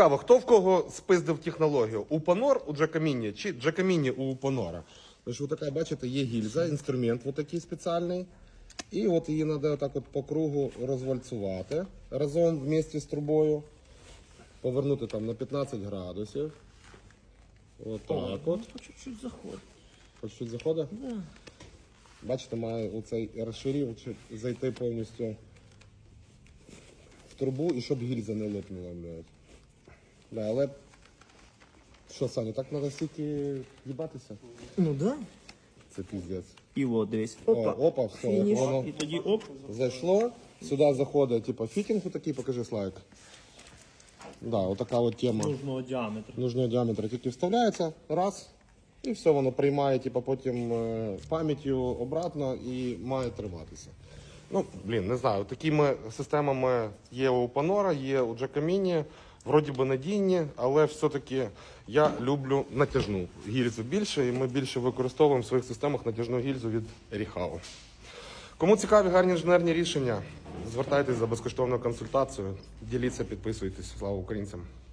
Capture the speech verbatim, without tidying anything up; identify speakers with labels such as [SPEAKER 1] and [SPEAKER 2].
[SPEAKER 1] цікаво, хто в кого спиздив технологію? Упонор у Джакаміні чи Джакаміні у Упонора? Тож, така, бачите, є гільза, інструмент от такий спеціальний. І от її треба так от по кругу розвальцувати разом вместе з трубою. Повернути там на п'ятнадцять градусів. От так от.
[SPEAKER 2] По чуть-чуть заходить.
[SPEAKER 1] По чуть-чуть заходить?
[SPEAKER 2] Да.
[SPEAKER 1] Бачите, має оцей розширювач зайти повністю в трубу і щоб гільза не лопнула, блядь. Да, але що, Саня, так треба стільки їбатися?
[SPEAKER 2] Ну да.
[SPEAKER 1] Це піздець.
[SPEAKER 2] І от, дивись.
[SPEAKER 1] О,
[SPEAKER 2] Опа.
[SPEAKER 1] опа, все,
[SPEAKER 2] Фініш.
[SPEAKER 1] воно
[SPEAKER 2] І тоді оп.
[SPEAKER 1] зайшло. Сюди заходить, типу, фітінг такий, покажи, Славик. Да, отака от тема.
[SPEAKER 2] Нужного діаметру.
[SPEAKER 1] Нужного діаметра тільки вставляється, раз, і все, воно приймає типу, потім е, пам'яттю обратно і має триматися. Ну, блін, не знаю, такими системами є у Панора, є у Джакаміні, вроді би надійні, але все-таки я люблю натяжну гільзу більше, і ми більше використовуємо в своїх системах натяжну гільзу від Ріхау. Кому цікаві гарні інженерні рішення, звертайтесь за безкоштовною консультацією, діліться, підписуйтесь. Слава українцям!